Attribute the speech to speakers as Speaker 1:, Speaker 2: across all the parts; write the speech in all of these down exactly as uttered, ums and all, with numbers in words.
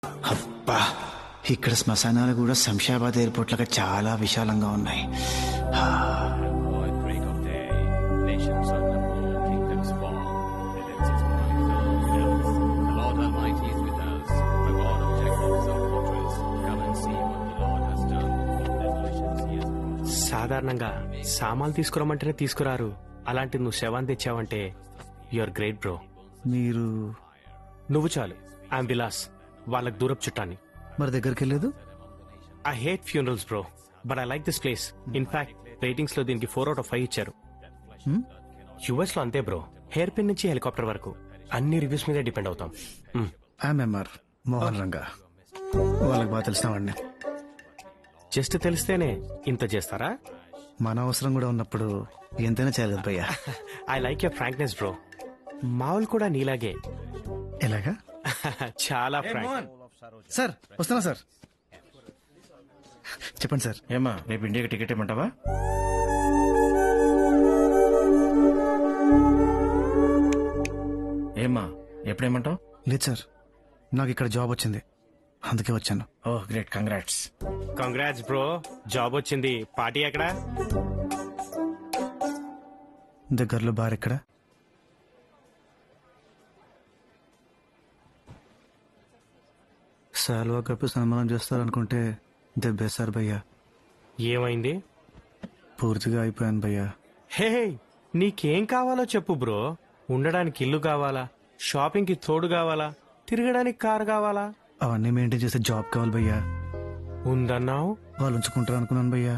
Speaker 1: అబ్బా, ఇక్కడ శ్మశానాలు కూడా శంషాబాద్ ఎయిర్పోర్ట్ లాగా చాలా విశాలంగా ఉన్నాయి.
Speaker 2: సాధారణంగా సామాన్లు తీసుకురమ్మంటేనే తీసుకురారు, అలాంటి నువ్వు శవాన్ని తెచ్చావంటే యువర్ గ్రేట్ బ్రో.
Speaker 1: మీరు
Speaker 2: నువ్వు చాలు. ఐఎమ్ విలాస్, వాళ్ళకి దూరపు చుట్టాన్ని.
Speaker 1: మరి దగ్గరికి వెళ్ళలేదు?
Speaker 2: I hate funerals bro, but I like this place. In fact ratings లో దీనికి ఫోర్ అవుట్ ఆఫ్ ఫైవ్ ఇచ్చారు. యుఎస్ లో అంతే బ్రో, హెయిర్ పిన్ నుంచి హెలికాప్టర్ వరకు అన్ని రివ్యూస్ మీద డిపెండ్ అవుతాం.
Speaker 1: ఎంఆర్ మోహన్ రంగా, వాళ్ళకి బాగా తెలిసినవాడిని.
Speaker 2: జస్ట్ తెలిస్తేనే ఇంత చేస్తారా?
Speaker 1: మన అవసరం కూడా ఉన్నప్పుడు ఎంతైనా చేయాలి కదా భయ్యా.
Speaker 2: I like your frankness bro. మావులు కూడా నీలాగే.
Speaker 1: ఎలాగా?
Speaker 2: చాలా ఫ్రాంక్.
Speaker 1: సార్ వస్తున్నా సార్. చెప్పండి సార్.
Speaker 3: ఏమా రేపు ఇండియాకి టికెట్ ఇమ్మంటావా? ఏమా ఎప్పుడేమంటావు?
Speaker 1: లేదు సార్, నాకు ఇక్కడ జాబ్ వచ్చింది, అందుకే వచ్చాను.
Speaker 3: Oh great, congrats.
Speaker 2: Congrats bro, job వచ్చింది. పార్టీ ఎక్కడ?
Speaker 1: దగ్గరలో బార్ ఎక్కడ? సాల్వా కప్పి సన్మానం చేస్తారనుకుంటే దెబ్బేశారు భయ్యా.
Speaker 2: ఏమైంది?
Speaker 1: పూర్తిగా అయిపోయాను భయ్యా.
Speaker 2: హే, నీకేం కావాలో చెప్పు బ్రో. ఉండడానికి ఇల్లు కావాలా, షాపింగ్ కి తోడు కావాలా, తిరగడానికి కారు కావాలా?
Speaker 1: అవన్నీ మెయింటైన్ చేసే జాబ్ కావాలి భయ్యా.
Speaker 2: ఉందన్నావు,
Speaker 1: వాళ్ళు ఉంచుకుంటారు అనుకున్నాను భయ్యా.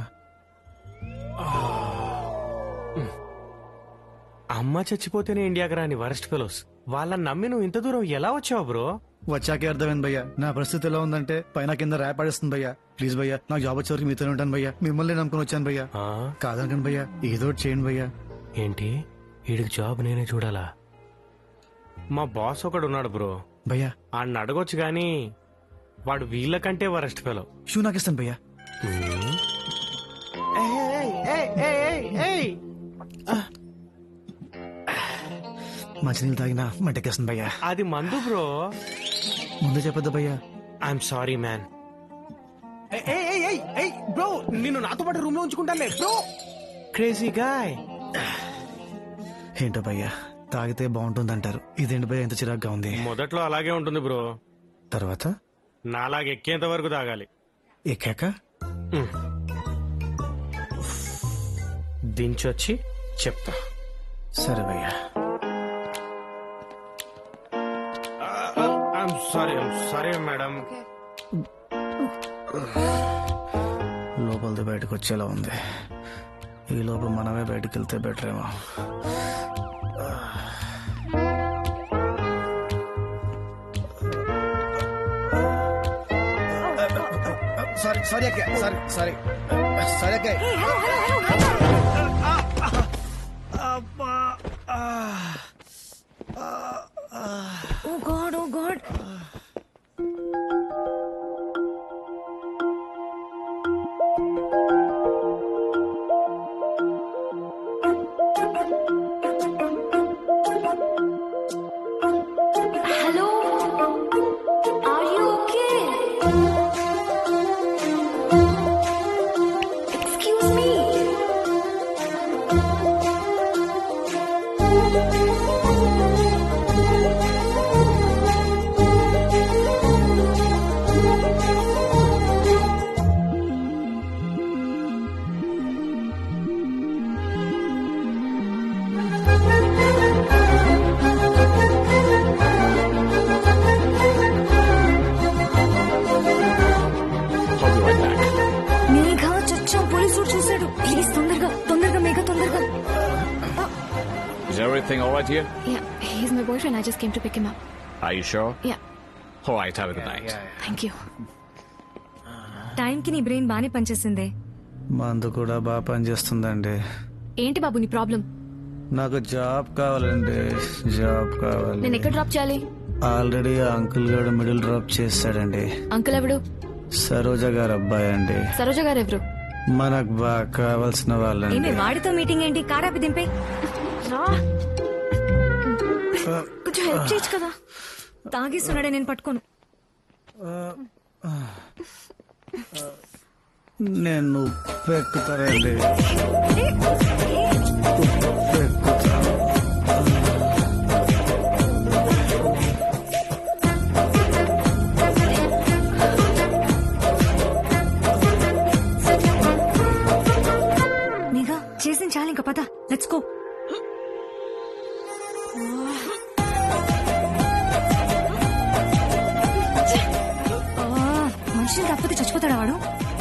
Speaker 2: అమ్మ చచ్చిపోతేనే ఇండియాకి రాని వరస్ట్ ఫెలోస్, వాళ్ళని నమ్మి నువ్వు ఇంత దూరం ఎలా వచ్చావు బ్రో?
Speaker 1: వచ్చాకే అర్థమైంది భయ్యా, నా పరిస్థితి ఎలా ఉందంటే పైన కింద ర్యాప్ ఆడేస్తుంది భయ్యా. ప్లీజ్ భయ్యా, నాకు జాబ్ వచ్చే వరకు మీతోనే ఉంటాను భయ్యా. మిమ్మల్ని నమ్ముకుని వచ్చాను భయ్యా.
Speaker 2: ఆ?
Speaker 1: కాదనకండి భయ్యా, ఏదో ఒకటి చేయండి భయ్యా.
Speaker 2: ఏంటి, వీడికి జాబ్ నేనే చూడాలా? మా బాస్ ఒకడు ఉన్నాడు బ్రో,
Speaker 1: భయ్యా
Speaker 2: ఆడిని అడగొచ్చు గాని వాడు వీళ్ళకంటే వరస్ట్ ఫెలో.
Speaker 1: షూ నాకు ఇస్తాను భయ్యా. మంచినీళ్ళు తాగినా మంటకేస్తుంది భయ్యా.
Speaker 2: అది మందు బ్రో.
Speaker 1: ముందే చెప్పొద్దు భయ్యా.
Speaker 2: I'm sorry man. బ్రో, నిన్ను నాతో పాటు రూమ్ లో ఉంచుకుంటానులే బ్రో. Crazy guy.
Speaker 1: ఏంటో భయ్యా, తాగితే బాగుంటుందంటారు, ఇదేంటి భయ్యా ఎంత చిరాగ్గా ఉంది?
Speaker 2: మొదట్లో అలాగే ఉంటుంది బ్రో,
Speaker 1: తర్వాత
Speaker 2: నాలాగే ఎక్కేంత వరకు తాగాలి.
Speaker 1: ఎక్కాక
Speaker 2: దించొచ్చి చెప్తా.
Speaker 1: సరే భయ్యా.
Speaker 2: I'm sorry, I'm sorry madam.
Speaker 1: లోపలిది బయటకు వచ్చేలా ఉంది, ఈ లోపల మనమే బయటకు వెళ్తే బెటర్ ఏమో. సారీ సారీ అక్క, సారీ సారీ సారీ అక్క.
Speaker 4: Oh God, oh God. Hello? Are you okay? Excuse me. మేఘ చచ్చాం, పోలీసుడు చూశాడు. ప్లీజ్ తొందరగా తొందరగా మేఘ తొందరగా.
Speaker 5: Is everything all right here?
Speaker 4: Yeah, he's my boyfriend. I just came to pick him up.
Speaker 5: Are you sure?
Speaker 4: Yeah,
Speaker 5: All right, have a good night.
Speaker 4: thank you. టైంకి నీ brain బానే పనిచేసిందే.
Speaker 1: మందు కూడా బాగా పనిచేస్తుందండి.
Speaker 4: ఏంటి బాబు నీ ప్రాబ్లం?
Speaker 1: నాకు జాబ్ కావాలండి, జాబ్ కావాలి.
Speaker 4: నేను ఎక్కడ డ్రాప్ చేయాలి?
Speaker 1: ఆల్రెడీ ఆ అంకుల్ గారు మిడిల్ డ్రాప్ చేస్తాడండి.
Speaker 4: అంకుల్ ఎవడు?
Speaker 1: సరోజ గారు అబ్బాయి అండి.
Speaker 4: సరోజ గారు ఎవరు?
Speaker 1: మనకు బాగా కావాల్సిన వాళ్ళండి.
Speaker 4: ఏమే వాడితో మీటింగ్ ఏంటి? కారాపి దింపే. కొంచెం హెల్ప్ చేయొచ్చు కదా. తాగేస్తున్నాడే, నేను పట్టుకోను.
Speaker 1: నేను ఉప్పు ఎక్కుతానండి ఉప్పు ఎక్కుతాను.
Speaker 4: నీగా చేసిన చాలు ఇంకా పద లెట్స్ గో. మనుషులు తప్పతే చచ్చిపోతాడా వాడు?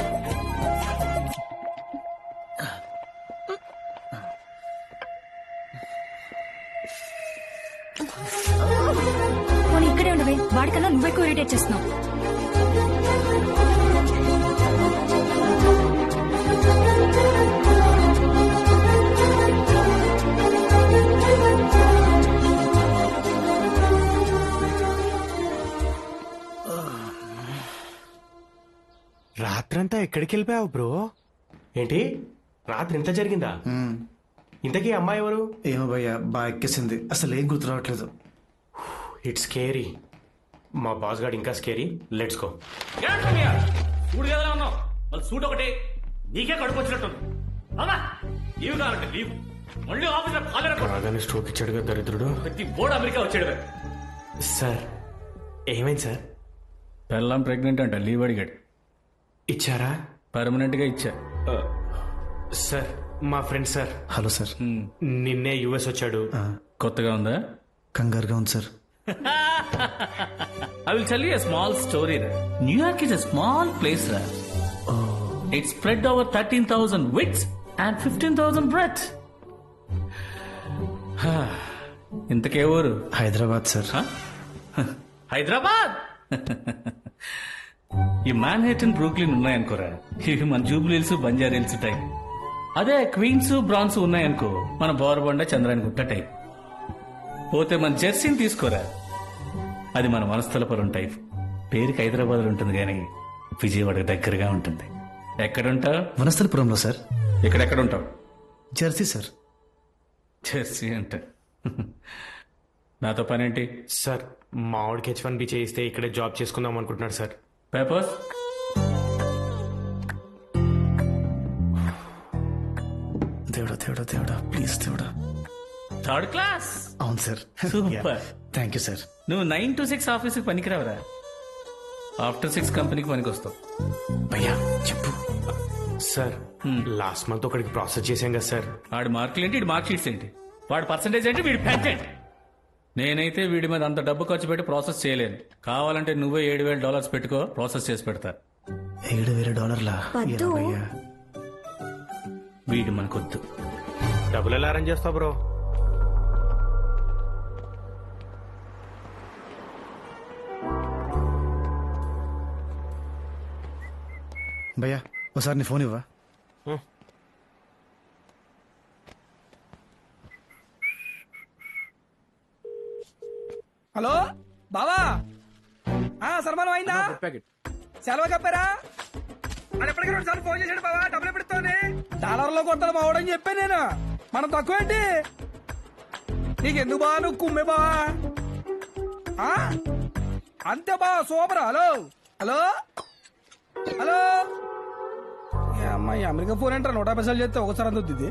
Speaker 4: పోనీ ఇక్కడే ఉండవే, వాడికన్నా నువ్వెక్కువ ఇరిటేట్ చేస్తున్నావు.
Speaker 2: రాత్రంతా ఎక్కడికి వెళ్ళిపోయావు బ్రో? ఏంటి రాత్రి ఇంత జరిగిందా? ఇంతకీ అమ్మాయి ఎవరు?
Speaker 1: ఏమో భయ్యా, బాగా ఎక్కేసింది. అసలు ఏం గుర్తు రావట్లేదు.
Speaker 2: It's scary. మా బాస్ గాడు ఇంకా స్కేరీ. Let's go.
Speaker 6: సూట్ కదా ఉన్నావు, మళ్ళీ సూట్ ఒకటి నీకే కడుపు వచ్చినట్టుంది. అవునా? లీవ్ కావాలంటే లీవ్. మళ్ళీ ఆఫీస్ లో కాలేరా
Speaker 2: రాగానే స్ట్రోక్ ఇచ్చాడుగా దరిద్రుడు.
Speaker 6: ప్రతి బోర్డు అమెరికా వచ్చాడు.
Speaker 2: సార్ ఏమైంది సార్?
Speaker 7: పెళ్ళాం ప్రెగ్నెంట్ అంట, లీవ్ అడిగాడు.
Speaker 2: ఇచ్చారా?
Speaker 7: పర్మనెంట్ గా ఇచ్చా.
Speaker 2: సార్ మా ఫ్రెండ్ సార్.
Speaker 1: Hello sir.
Speaker 2: నిన్నే యుఎస్ వచ్చాడు.
Speaker 7: కొత్తగా ఉందా?
Speaker 1: కంగారుగా ఉంది sir.
Speaker 6: I will tell you a small story. New York is a small place. Oh. It's spread over thirteen thousand widths and fifteen thousand breadths.
Speaker 7: ఇంతకే ఊరు?
Speaker 1: Hyderabad sir.
Speaker 6: Hyderabad.
Speaker 7: ఈ Manhattan Brooklyn ఉన్నాయనుకోరా, ఇవి మన జూబ్లీ హిల్స్ బంజారా హిల్స్ టైప్. అదే క్వీన్స్ బ్రాన్స్ ఉన్నాయనుకో, మన బోరబండ చంద్రాని గుట్ట టైప్. పోతే మన జెర్సీని తీసుకోరా, అది మన వనస్థలపురం టైప్. పేరుకి హైదరాబాద్ ఉంటుంది కానీ విజయవాడకు దగ్గరగా ఉంటుంది. ఎక్కడుంటావు?
Speaker 1: వనస్థలపురంలో సార్.
Speaker 7: ఇక్కడెక్కడుంటావు?
Speaker 1: Jersey sir.
Speaker 7: జెర్సీ అంట. నాతో పనేంటి?
Speaker 2: సార్ మా ఆవిడకి హెచ్ వన్ బి చేయిస్తే ఇక్కడే జాబ్ చేసుకుందాం అనుకుంటున్నాడు సార్.
Speaker 7: పేపర్స్?
Speaker 1: దేవుడా దేవుడా దేవుడా ప్లీజ్ దేవుడా.
Speaker 7: Third class.
Speaker 1: అవును సార్.
Speaker 7: సూపర్.
Speaker 1: Thank you sir.
Speaker 7: నువ్వు నైన్ టు సిక్స్ ఆఫీస్కి పనికిరావరా, ఆఫ్టర్ సిక్స్ కంపెనీకి పనికి వస్తావు.
Speaker 1: భయ్యా చెప్పు.
Speaker 2: సార్ లాస్ట్ మంత్ ఒకడికి ప్రాసెస్ చేశాం కదా సార్.
Speaker 7: వాడి మార్కులు ఏంటి, వీడి మార్క్ షీట్స్ ఏంటి, వాడి పర్సంటేజ్ ఏంటి, వీడి పెంట్ ఏంటి? నేనైతే వీడి మీద అంత డబ్బు ఖర్చు పెట్టి ప్రాసెస్ చేయలేను. కావాలంటే నువ్వే ఏడు వేల డాలర్స్ పెట్టుకో, ప్రాసెస్ చేసి పెడతా.
Speaker 1: ఏడు వేల డాలర్లా?
Speaker 4: పద్దు.
Speaker 1: భయ్యా
Speaker 7: వీడు మనకొద్దు.
Speaker 2: డబ్బులు ఎలా అరేంజ్ చేస్తావు బ్రో?
Speaker 1: భయ్యా ఒకసారి నీ ఫోన్ ఇవ్వా.
Speaker 8: హలో బావా, సన్మానం అయిందా? సెలవు కప్పారా? అది ఎప్పటికీ రెండు సార్లు ఫోన్ చేశాడు బావా. డబ్బులు ఎప్పుడుతోనే డాలర్ లో కొట్టాలి బావడని చెప్పాను నేను. మనం తక్కువ ఏంటి నీకెందుకు బావా, నువ్వు కుమ్మే బావా. అంతే బావా, సూపర్. Hello hello hello. అమ్మాయి అమెరికా ఫోన్ ఏంటారు, నూట యాభై సార్లు చేస్తే ఒకసారి అందుద్ది.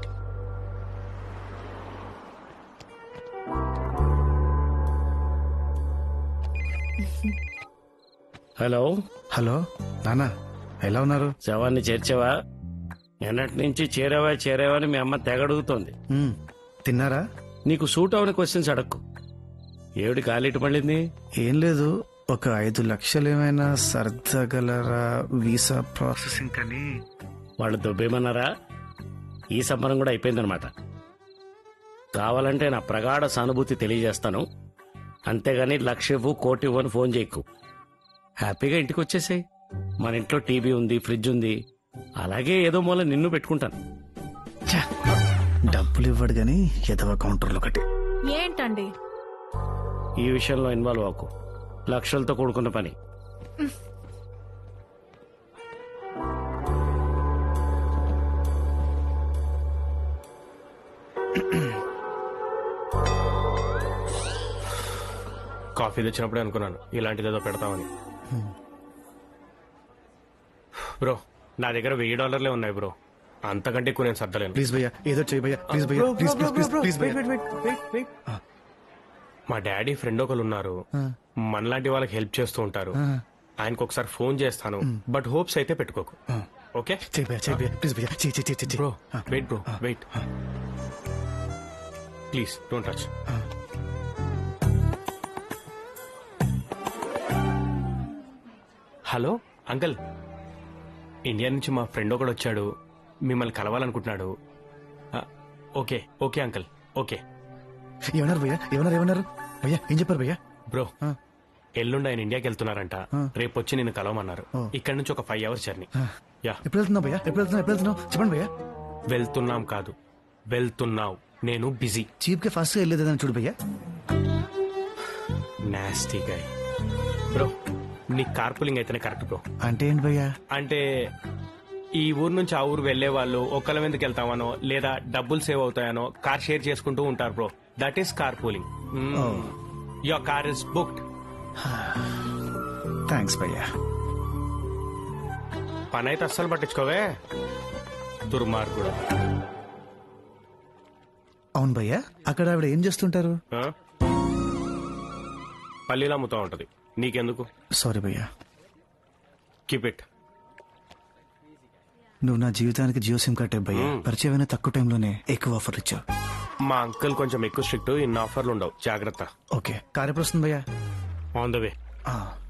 Speaker 9: హలో
Speaker 1: హలో నానా, ఎలా ఉన్నారు?
Speaker 9: శవాన్ని చేర్చావా? నిన్నటి నుంచి చేరావా చేరావా అని మీ అమ్మ తెగడుగుతోంది.
Speaker 1: మ్మ్. తిన్నారా?
Speaker 9: నీకు సూట్ అవని క్వశ్చన్స్ అడక్కు. ఏమిటి కాలిటి పడింది?
Speaker 1: ఏం లేదు, ఒక ఐదు లక్షలు ఏమైనా సర్దగలరా వీసా ప్రాసెసింగ్ అని.
Speaker 9: వాళ్ళు దొబ్బేమన్నారా? ఈ సంబరం కూడా అయిపోయిందనమాట. కావాలంటే నా ప్రగాఢ సానుభూతి తెలియజేస్తాను, అంతేగాని లక్ష ఇవ్వు కోటి ఇవ్వు అని ఫోన్ చేయకు. హ్యాపీగా ఇంటికి వచ్చేసాయి. మన ఇంట్లో టీవీ ఉంది, ఫ్రిడ్జ్ ఉంది, అలాగే ఏదో మూల నిన్ను పెట్టుకుంటాను.
Speaker 1: ఛ, డబ్బులు ఇవ్వడు గాని ఎదవ కౌంటర్లు ఒకటి.
Speaker 4: ఏంటండి
Speaker 9: ఈ విషయంలో ఇన్వాల్వ్ అవ్వకు, లక్షలతో కూడుకున్న పని.
Speaker 2: కాఫీ తెచ్చినప్పుడే అనుకున్నాను ఇలాంటిది ఏదో పెడతామని. బ్రో నా దగ్గర వెయ్యి డాలర్లే ఉన్నాయి బ్రో, అంతకంటే ఎక్కువ నేను సర్దలేను.
Speaker 1: ప్లీజ్ భయ్యా ఏదో చేయి భయ్యా ప్లీజ్ భయ్యా ప్లీజ్ ప్లీజ్ ప్లీజ్ ప్లీజ్ భయ్యా.
Speaker 2: మా డాడీ ఫ్రెండ్ ఒకరు ఉన్నారు, మనలాంటి వాళ్ళకి హెల్ప్ చేస్తూ ఉంటారు. ఆయనకు ఒకసారి ఫోన్ చేస్తాను, బట్ హోప్స్ అయితే పెట్టుకోకు. ఓకే
Speaker 1: చేయి భయ్యా చేయి భయ్యా ప్లీజ్ భయ్యా చేయి చేయి చేయి
Speaker 2: bro, wait bro wait, please don't touch. Hello uncle, India నుంచి మా ఫ్రెండ్ ఒకడు వచ్చాడు, మిమ్మల్ని కలవాలనుకుంటున్నాడు. ఆ, ఓకే ఓకే అంకుల్ ఓకే.
Speaker 1: ఏమన్నారు భయ్యా ఏమన్నారు ఏమన్నారు భయ్యా ఏం చెప్పారు భయ్యా?
Speaker 2: బ్రో ఎల్లుండి ఆయన ఇండియాకి వెళ్తున్నారంట, రేపు వచ్చి నిన్ను కలవమన్నారు.
Speaker 1: ఓ.
Speaker 2: ఇక్కడ నుంచి ఒక ఫైవ్ అవర్స్ జర్నీ. యా
Speaker 1: ఎప్పుడు వెళ్తున్నావు భయ్యా ఎప్పుడు వెళ్తున్నావు ఎప్పుడు వెళ్తున్నావు చెప్పండి భయ్యా.
Speaker 2: వెళ్తున్నాం కాదు వెళ్తున్నావు, నేను బిజీ.
Speaker 1: చీప్ గా ఫాస్ట్ గా వెళ్ళేదని చూడు భయ్యా.
Speaker 2: Nasty guy. బ్రో నీ కార్పూలింగ్ అయితేనే కరెక్ట్ బ్రో.
Speaker 1: అంటే ఏంటి భయ్యా?
Speaker 2: అంటే ఈ ఊరు నుంచి ఆ ఊరు వెళ్లే వాళ్ళు ఒక్కళ్ళ ఎందుకు వెళ్తామనో లేదా డబ్బులు సేవ్ అవుతాయనో కార్ షేర్ చేసుకుంటూ ఉంటారు bro. That is car pooling. Your car is booked.
Speaker 1: Thanks భయ్యా.
Speaker 2: పని అయితే అస్సలు పట్టించుకోవే దుర్మార్గుడు.
Speaker 1: అవును భయ్యా అక్కడ ఆవిడ ఏం చేస్తుంటారు?
Speaker 2: ఆ? పల్లీలు అమ్ముతా ఉంటది, నీకెందుకు?
Speaker 1: సారీ భయ్యా.
Speaker 2: Keep it.
Speaker 1: నువ్వు నా జీవితానికి జియో సిమ్ కార్డ్ భయ్యా. పరిచయమైన తక్కువ టైంలోనే ఎక్కువ ఆఫర్ ఇచ్చావు.
Speaker 2: మా అంకుల్ కొంచెం ఎక్కువ స్ట్రిక్ట్, ఇన్ని ఆఫర్లు ఉండవు, జాగ్రత్త.
Speaker 1: ఓకే కార్ ఎప్పుడు వస్తుంది భయ్యా?
Speaker 2: On the way.
Speaker 1: ఆ.